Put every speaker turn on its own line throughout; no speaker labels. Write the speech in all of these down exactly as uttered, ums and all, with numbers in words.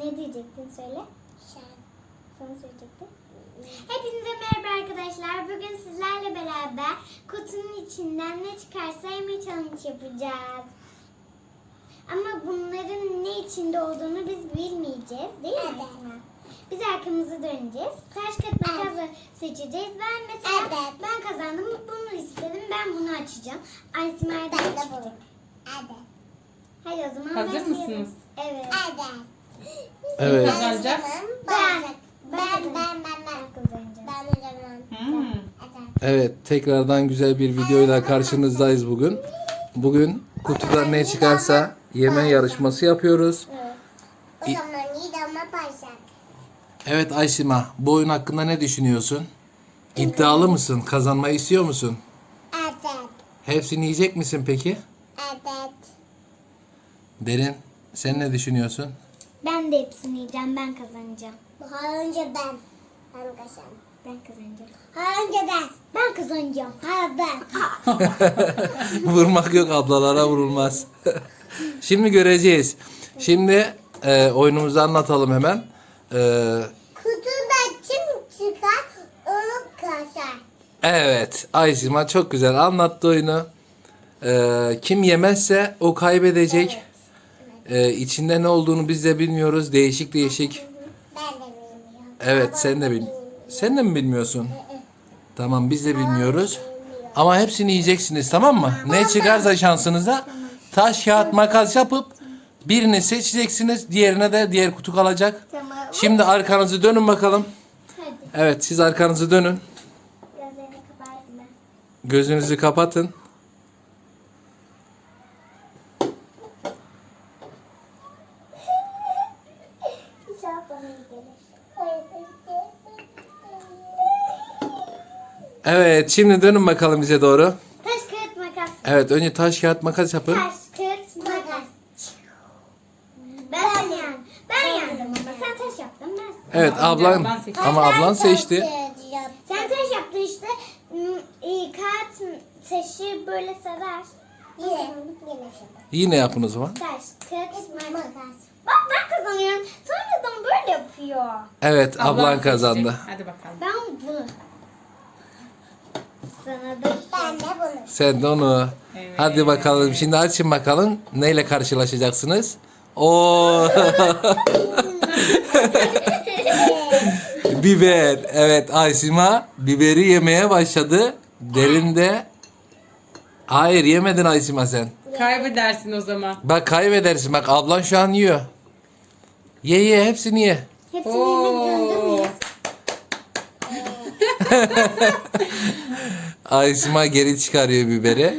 Ne diyecektin söyle. Sana söyleyecektim. Hepinize merhaba arkadaşlar. Bugün sizlerle beraber kutunun içinden ne çıkarsa yeme challenge yapacağız. Ama bunların ne içinde olduğunu biz bilmeyeceğiz, değil mi? Evet. Biz arkamızı döneceğiz. Taş kağıt makasla seçeceğiz. Ben mesela evet. ben kazandım. Bunu istedim. Ben bunu açacağım. Aysima'ya da açacağım. Evet. Hadi o zaman
hazır mısınız?
Evet.
Evet.
Kim kazanacak?
Ben. Ben ben ben ben kazanacağım. Ben
Hmm.
Evet, tekrardan güzel bir videoyla karşınızdayız bugün. Bugün kutuda ne çıkarsa yeme yarışması yapıyoruz.
Evet.
O zaman yiyeceğim başlar.
Evet Aysima, bu oyun hakkında ne düşünüyorsun? İddialı mısın? Kazanmayı istiyor musun?
Evet.
Hepsini yiyecek misin peki?
Evet.
Derin, sen ne düşünüyorsun?
Ben de hepsini yiyeceğim. Ben kazanacağım.
Daha önce ben. Ben kazandım.
Ben kazanacağım.
Daha önce ben.
Ben kazanacağım.
Ha ben.
Vurmak yok, ablalara vurulmaz. Şimdi göreceğiz. Şimdi e, oyunumuzu anlatalım hemen. E,
Kutuda kim çıkar onu kasar.
evet, Aysima çok güzel anlattı oyunu. E, kim yemezse o kaybedecek. E, içinde ne olduğunu biz de bilmiyoruz. Değişik değişik.
Ben de bilmiyorum.
Evet, sen de bil. Sen de mi bilmiyorsun? Tamam, biz de bilmiyoruz. Ama hepsini yiyeceksiniz, tamam mı? Ne çıkarsa şansınıza taş, kağıt, makas yapıp birini seçeceksiniz. Diğerine de diğer kutu kalacak.
Tamam.
Şimdi arkanızı dönün bakalım.
Hadi.
Evet, siz arkanızı dönün.
Gözlerini kaparsın ben.
Gözünüzü kapatın.
İnşallah bana iyi gelir.
Evet, şimdi dönün bakalım bize doğru.
Taş kağıt makas.
Evet, önce taş, kağıt, makas yapın.
Taş kağıt makas. Ben yendim. Ben yendim ama sen taş yaptın ben.
Evet, ablan
ablan seçti.
ama ablan seçti.
Sen taş yaptın işte. Hmm, iyi, kağıt taşı böyle sever.
Yine. Yine.
Yine yapın o zaman.
Taş kağıt makas. Bak ben kazanıyorum. Sonradan böyle yapıyor.
Evet, ablan
seçecek.
kazandı.
Hadi bakalım.
Ben bunu. Sana da
Ben de bunu.
Sen de onu.
Evet.
Hadi bakalım. Şimdi açın bakalım. Neyle karşılaşacaksınız? Oo. Biber. Evet, Aysima biberi yemeye başladı. Derin de hayır, yemedin Aysima sen.
Kaybedersin o zaman.
Bak kaybedersin. Bak ablan şu an yiyor. Ye ye, hepsini ye.
hepsini yemek zorunda
Oo.
mıyız?
Aysima geri çıkarıyor biberi.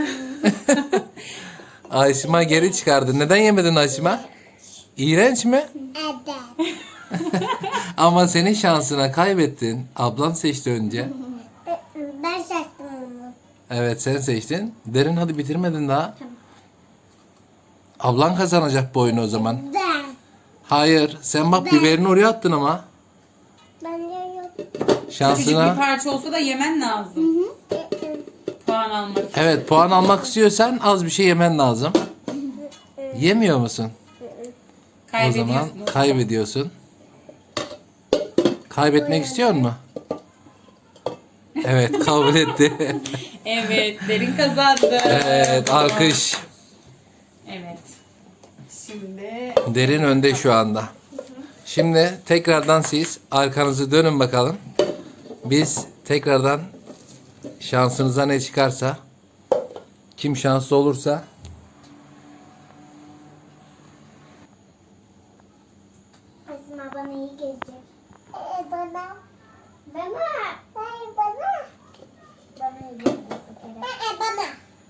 Aysima geri çıkardı. Neden yemedin Aysima? İğrenç mi?
Evet.
Ama senin şansına kaybettin. Ablan seçti önce.
Ben seçtim onu.
Evet, sen seçtin. Derin, hadi bitirmedin daha. Ablan kazanacak bu oyunu o zaman.
Ben.
Hayır, sen bak biberini oraya attın ama.
Ben de yok.
Küçücük bir
Şansına.
parça olsa da yemen lazım. Puan almak için.
Evet, puan almak istiyorsan az bir şey yemen lazım. Yemiyor musun? O zaman
Kaybediyorsun.
kaybediyorsun. Kaybetmek istiyor musun? Evet, kabul etti.
Evet, Derin kazandı.
Evet, alkış.
Evet. Şimdi
Derin önde şu anda. Şimdi tekrardan siz arkanızı dönün bakalım. Biz tekrardan şansınıza ne çıkarsa, kim şanslı olursa
Aslında bana iyi gelecek.
Ee, bana.
Bana.
Hayır bana.
Bana iyi gelecek bir kere.
Ee, bana.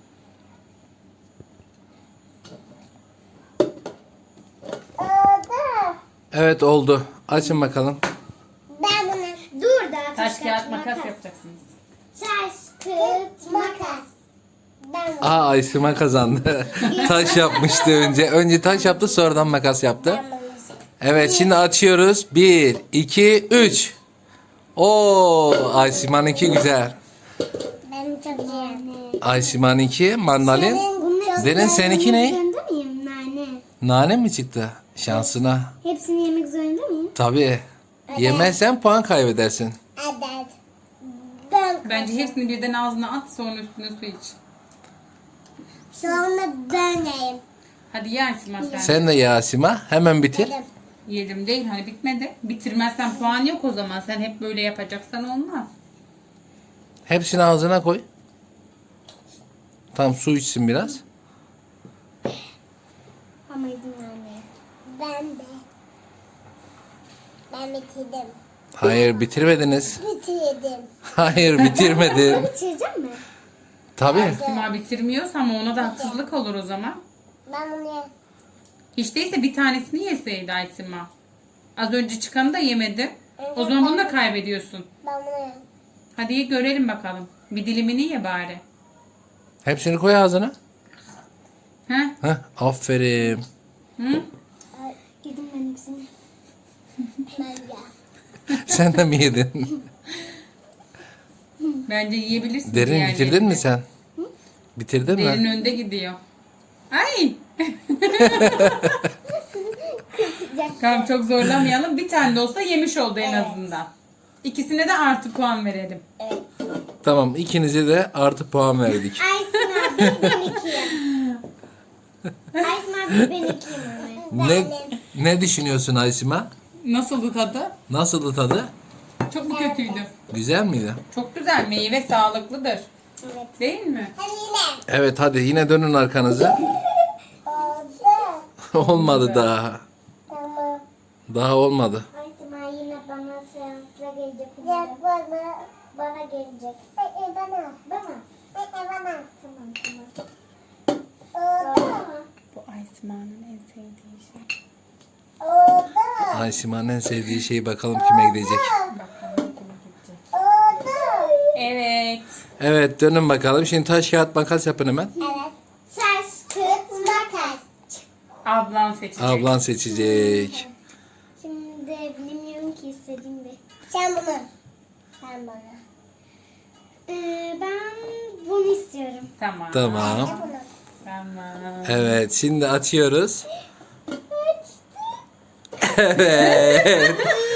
Oldu.
evet oldu. Açın bakalım.
Ben bunu.
Dur daha
taş kağıt makas yapacaksınız.
Taş kağıt makas.
Ben bunu.
Aa, Aysima kazandı. Taş yapmıştı önce. Önce taş yaptı, sonradan makas yaptı.
Ben bunu.
Evet, şimdi açıyoruz. Bir, iki, üç. Oo, Aysima'nınki güzel.
Ben çok iyi.
Aysima'nınki mandalin.
Bunları
Derin, seninki ne?
Zorunda mıyım nane?
Nane mi çıktı? Şansına.
Hepsini yemek zorunda mıyım?
Tabii. Yemezsen puan kaybedersin.
Evet. Ben
Bence hepsini birden ağzına at, sonra üstüne su iç.
sonra ben yiyeyim.
Hadi ye Aysima sen.
Sen de ye Asima. Hemen bitir.
Yedim.
Yedim değil, hani bitmedi. Bitirmezsen puan yok o zaman. Sen hep böyle yapacaksan olmaz.
Hepsini ağzına koy. Tam su içsin biraz.
Ama izin vermiyor.
Ben de. Ben bitirdim.
Hayır bitirmediniz.
Bitirdim.
Hayır bitirmedin.
Bitireceğim mi?
Tabii.
Aysima bitirmiyorsa ama ona da haksızlık olur o zaman.
Ben bunu yedim.
Hiç değilse bir tanesini yeseydi Aysima. Az önce çıkanı da yemedi. O zaman bunu da kaybediyorsun.
Ben bunu yedim.
Hadi ye görelim bakalım. Bir dilimini ye bari.
Hepsini koy ağzına.
Heh?
Heh, aferin.
Hı?
Yedim ben hepsini.
Ben ya.
Sen de mi yedin?
Bence yiyebilirsin.
Derin
diğerlerini.
bitirdin mi sen? Bitirdin
Derin
mi?
önde gidiyor. Ay! Tamam çok zorlamayalım. Bir tane de olsa yemiş oldu en azından. İkisine de artı puan verelim.
Tamam ikinize de artı puan verdik.
Aysin abi ben ikiyim. Aysin abi ben ikiyim ama.
Ne ne düşünüyorsun Aysima?
Nasıldı tadı?
Nasıldı tadı?
Çok mu kötüydü?
Güzel miydi?
Çok güzel. Meyve sağlıklıdır.
Evet.
Değil mi?
Hadi yine.
Evet hadi yine dönün arkanıza.
Oldu.
Olmadı daha.
Tamam.
Daha olmadı.
Aysin abi yine bana seansla gelecek.
Gel bana.
Bana gelecek.
Ee, bana.
Bana.
Ee, bana.
Tamam tamam.
Oldu.
Bu Aysima'nın en sevdiği şey.
Oldu.
Aysima'nın en sevdiği şey bakalım kime gidecek.
Bakalım kime gidecek.
Oldu.
Evet.
Evet dönün bakalım. Şimdi taş kağıt makas yapın hemen.
Evet.
Saç, kıt, makas.
Ablan seçecek.
Ablan seçecek.
Şimdi bilmiyorum ki istediğim bir.
Sen bunu. Sen bana.
Ee, ben bunu istiyorum.
Tamam.
Tamam.
Ne bunu?
Tamam.
Evet şimdi açıyoruz. Evet.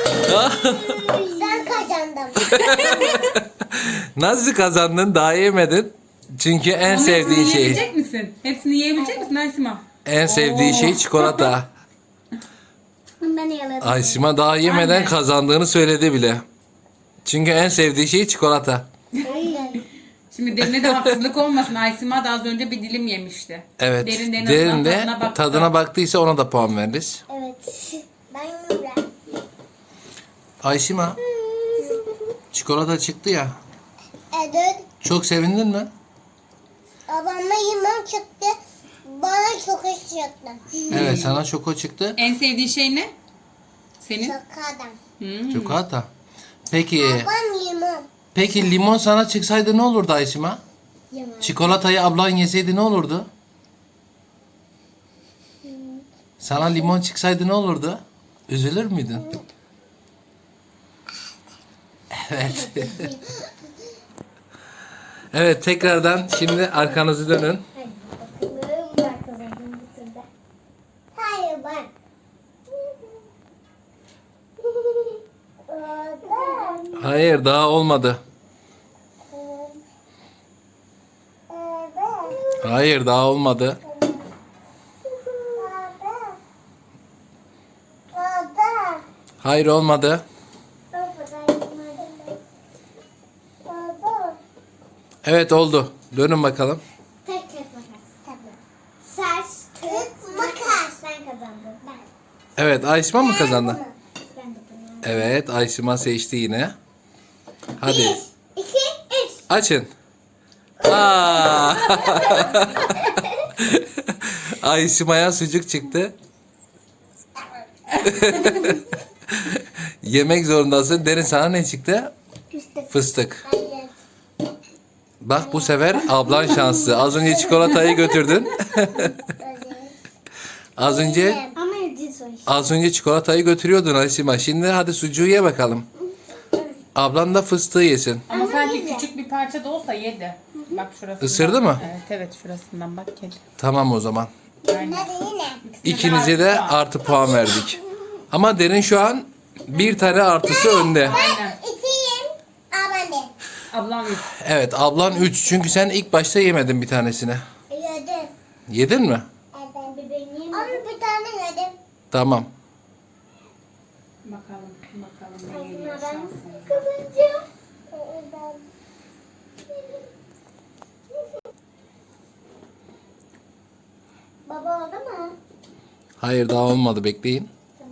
Ben kazandım.
Nasıl kazandın? Daha yemedin. Çünkü en
Ama
sevdiğin
hepsini
şey.
yiyebilecek misin? Hepsini yiyebilecek misin Aysima?
En sevdiği şey çikolata.
Ben yaladım.
Aysima daha yemeden
Aynen.
kazandığını söyledi bile. Çünkü en sevdiği şey çikolata.
Şimdi Derin'e de haksızlık olmasın. Aysima da az önce bir dilim yemişti.
Evet.
Derin de en
Derin
azından
de
tadına baktı.
tadına baktıysa ona da puan veririz.
Evet.
Ben yine.
Aysima çikolata çıktı ya.
Evet.
Çok sevindin mi?
Babama limon çıktı. Bana çok iş çıktı.
Evet sana şoko çıktı.
En sevdiği şey ne? Senin?
Şakadan.
Hmm.
Çikolata. Peki
Babam limon.
peki limon sana çıksaydı ne olurdu Aysima?
Yemem.
Çikolatayı ablan yeseydi ne olurdu? Sana limon çıksaydı ne olurdu? Üzülür müydün? Evet. Evet tekrardan şimdi arkanızı dönün.
Hadi bakalım. Ben kazandım bu turda.
Hayır ben. Oldu.
Hayır daha olmadı.
Evet.
Hayır daha olmadı.
Oldu. Oldu.
Hayır olmadı.
Oldu.
Evet oldu. Dönün bakalım.
Tek tek makas.
Tamam.
Saç, kıt, makas. Ben kazandım. Ben.
Evet Aysima mı kazandı?
Ben de bunu.
Evet Aysima seçti yine. Hadi
Bir, iki, üç.
açın. Aa! Aysima'ya sucuk çıktı. Yemek zorundasın. Derin sana ne çıktı?
Fıstık.
Fıstık.
Hayır.
Bak bu sefer ablan şanslı. Az önce çikolatayı götürdün. Az önce
Ama yedi soy.
az önce çikolatayı götürüyordun Aysima. Şimdi hadi sucuğu ye bakalım. Ablan da fıstığı yesin.
Ama sanki küçük bir parça da olsa yedi. Bak şurası.
Isırdı mı?
Evet evet şurasından bak kedi.
Tamam o zaman.
Aynen.
Hadi yine.
İkinize de artı puan verdik. Ama Derin şu an bir tane artısı önde.
Aynen.
İkiyim. Ama ne?
Ablam üç.
Evet, ablan üç. Çünkü sen ilk başta yemedin bir tanesini.
Yedim.
Yedin mi?
Evet.
Bebeğim.
Ama bir tane yedim.
Tamam.
Bakalım. Bakalım ne geliyor
Ben
şansımıza.
kazanacağım. Baba oldu mu?
Hayır, daha olmadı. Bekleyin.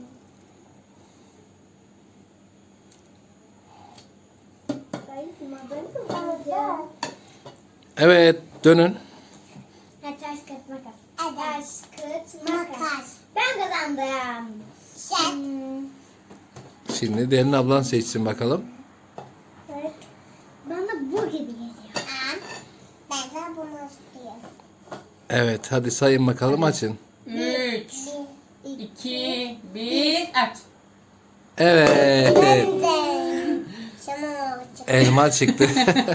Ben ben kazanacağım.
Evet, dönün.
Ha, taş kağıt makas.
Evet.
Taş kağıt makas.
Makas.
Ben kazandım.
Sen.
Hmm.
Şimdi Derin ablan seçsin bakalım.
Evet. Bana bu gibi geliyor.
Aa, ben de bunu istiyorum.
Evet, hadi sayın bakalım, açın.
üç, iki, bir, aç.
Evet.
Ben de. Sana olacak.
Elma çıktı.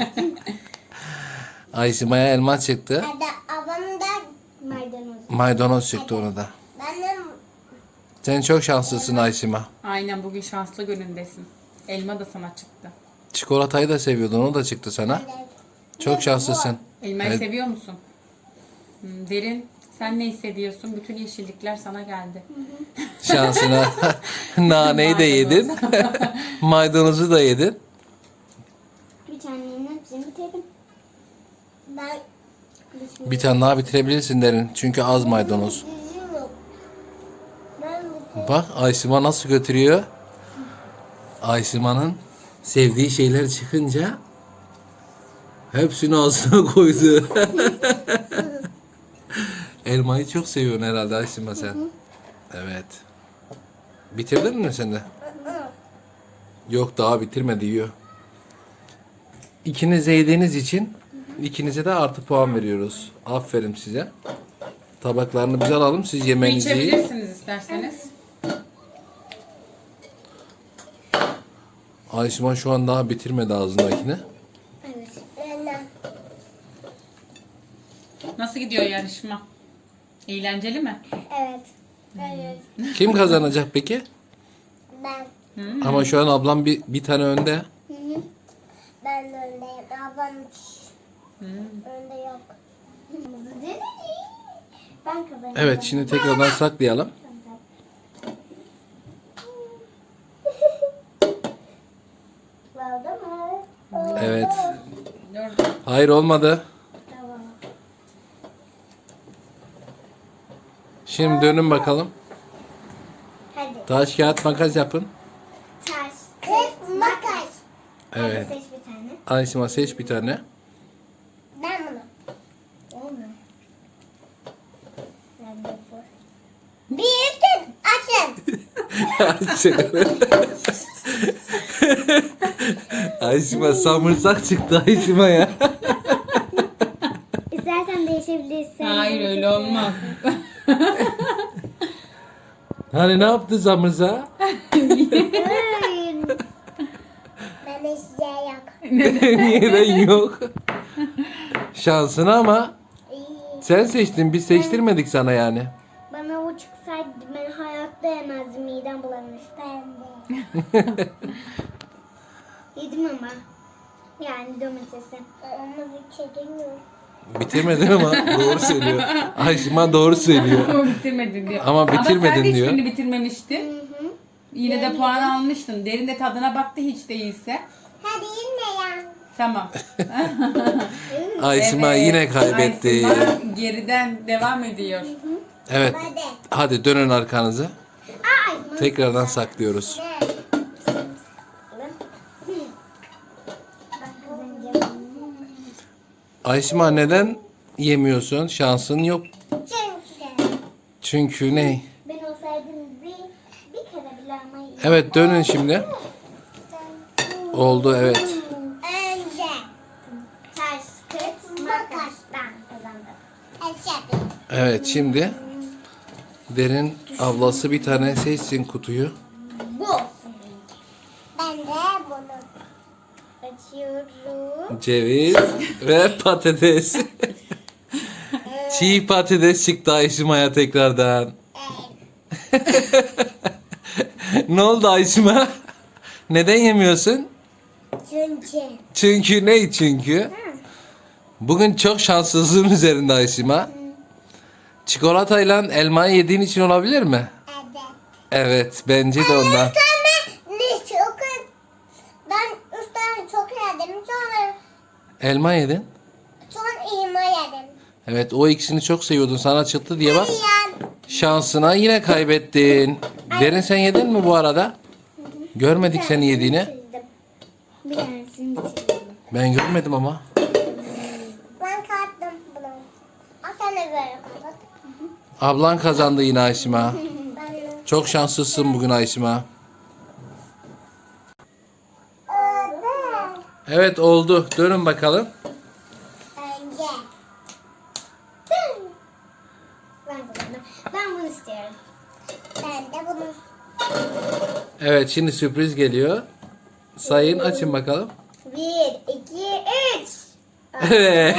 Aysima'ya elma çıktı.
Hadi ablam da
Maydanoz.
Maydanoz çıktı ona da.
ben de
Sen çok şanslısın Aysima.
Aynen, bugün şanslı günündesin. Elma da sana çıktı.
Çikolatayı da seviyordun, o da çıktı sana. Çok şanslısın.
Elmayı
Evet.
seviyor musun? Hmm, Derin, sen ne hissediyorsun? Bütün yeşillikler sana geldi.
Şansına naneyi de yedin. Maydanozu da yedin.
Bir tanenin hepsini bitirdim.
ben
Bir tane daha bitirebilirsin Derin. Çünkü az maydanoz.
düzüm yok. Ben bu
Bak Aysima nasıl götürüyor. Aysima'nın sevdiği şeyler çıkınca hepsini ağzına koydu. Elmayı çok seviyorsun herhalde Aysima sen. Evet. Bitirdin mi sen de? Yok, daha bitirmedi, yiyor. İkiniz de yediğiniz için ikinize de artı puan veriyoruz. Aferin size. Tabaklarını biz alalım, siz
Su
yemeğinizi yiyin.
içebilirsiniz isterseniz.
Aysima şu an daha bitirmedi ağzındakini.
Evet.
ben de.
Nasıl gidiyor yarışma? Eğlenceli mi?
Evet. Evet.
Kim kazanacak peki?
Ben.
Ama şu an ablam bir, bir tane önde.
Ben de öndeyim. Ablam
Hmm.
önde yok.
Ben kazanacağım.
Evet, şimdi tekrardan saklayalım.
Oldu mu?
Evet.
Dur.
Hayır, olmadı.
Tamam.
Şimdi dönün bakalım.
Hadi.
Taş, kağıt, makas yapın.
Taş.
Kız makas.
Evet.
Hadi seç bir tane.
Aysima seç bir tane.
Ben bunu.
Olmuyor. Ben de bu.
Bir üstün açın.
Aysima samırsak çıktı Aysima ya.
İstersen değişebilirsin.
Hayır, öyle olmaz.
Hani ne yaptı samırsak?
Hayır.
Ben de size yok.
Neden yok? Şansına ama
İyi.
sen seçtin, biz seçtirmedik sana yani.
Bana o çıksaydı ben hayatta yemezdim. Midem bulanmıştı.
Ben de.
Yedim ama. Yani domatesi.
Onu bitirmiyorum.
Bitirmedin ama doğru söylüyor. Aysima doğru söylüyor.
Ama bitirmedin diyor.
Ama bitirmedin
Ama sen de
diyor.
hiçbirini bitirmemiştin.
Hı hı.
Yine de puan almıştın. Derin de tadına baktı hiç değilse.
Hadi yine ya.
Tamam.
Aysima
Evet,
yine kaybetti.
Aysima geriden devam ediyor.
Evet.
Hadi.
Hadi dönün arkanızı.
Ay.
Tekrardan saklıyoruz.
Ne?
Ben kazanacağım.
Aysima neden yemiyorsun? Şansın yok.
Çünkü.
Çünkü ne?
Ben olsaydım bir, bir kere bile ama iyi.
Evet, dönün şimdi. Oldu, evet.
Önce.
Taş, kağıt, makas. Ben kazandım.
Eşek.
Evet, şimdi Derin ablası bir tane seçsin kutuyu.
Bu olsun.
Ben de bunu.
Açıyorum.
Ceviz ve patates. Çiğ patates çıktı Ayşima'ya tekrardan. Ne oldu Ayşima? Neden yemiyorsun?
Çünkü.
Çünkü ne çünkü? Bugün çok şanssızlığın üzerinde Ayşima. Çikolatayla elmayı yediğin için olabilir mi?
Evet.
Evet, bence de ondan.
Sonra ne çok ben üç tane çok yedim. Sonra
Elma yedin.
sonra iğme yedim.
Evet, o ikisini çok seviyordun. Sana çıktı diye bak.
Yiyen.
Şansına yine kaybettin. Derin sen yedin mi bu arada? Görmedik seni yediğini.
Bitirdim. Bir tanesini bitirdim.
Ben görmedim ama.
Ben kattım bunu. Aa, sen de böyle kapat.
Ablan kazandı yine Ayşima.
Ben de.
Çok şanslısın bugün Ayşima.
Evet.
Evet oldu. Dönün bakalım.
Önce.
Ben bunu, ben bunu istiyorum.
Ben de bunu.
Evet şimdi sürpriz geliyor. Sayın açın bakalım.
Bir, iki, üç.
Evet.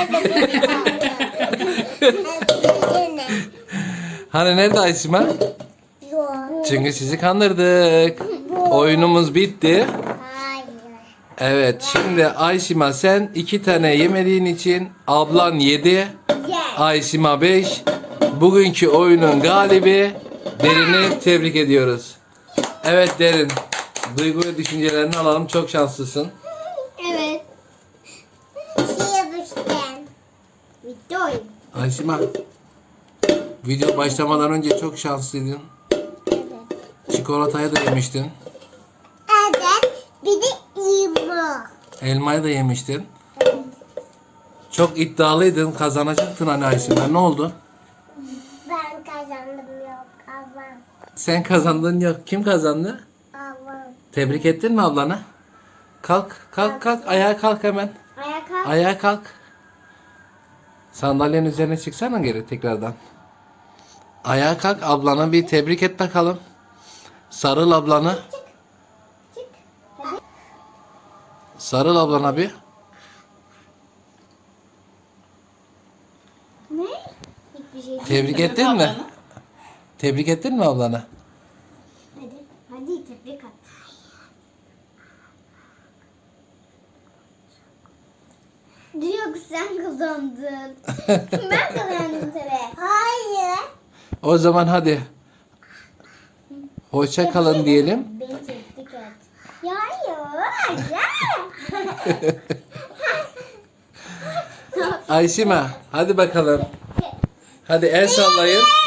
Yine.
Hani nerede Ayşima?
Yok.
Çünkü sizi kandırdık. Oyunumuz bitti.
Hayır.
Evet şimdi Ayşima sen iki tane yemediğin için ablan yedi.
Yes.
Ayşima beş. Bugünkü oyunun galibi Derin'i tebrik ediyoruz. Evet Derin. Duygu ve düşüncelerini alalım. Çok şanslısın.
Evet.
Şey yapıştım.
Bitti oyun.
Ayşima. Video başlamadan önce çok şanslıydın.
Evet.
Çikolatayı da yemiştin.
Evet. Bir de iğme.
Elmayı da yemiştin. Çok iddialıydın. Kazanacaktın hani Ayşima. Ne oldu?
Ben kazandım yok. Ablam.
Sen kazandın yok. Kim kazandı?
Ablam.
Tebrik ettin mi ablana? Kalk, kalk, kalk. Ayağa kalk hemen.
Ayağa kalk.
Ayağa kalk. Sandalyenin üzerine çıksana geri tekrardan. Ayağa kalk, ablana bir tebrik et bakalım. Sarıl ablana.
Çık. Hadi.
Sarıl ablana bir.
Ne? Hiçbir şey değil.
Tebrik ettin mi?
Ablanı.
Tebrik ettin mi ablana?
Hadi. Hadi tebrik at. Diyor ki sen kazandın. Ben kazandım tabii.
Hayır.
O zaman hadi. Hoşça kalın diyelim.
Beni tebrik et. Ya hayır. Ya.
Ayşima, hadi bakalım. Hadi el sallayın.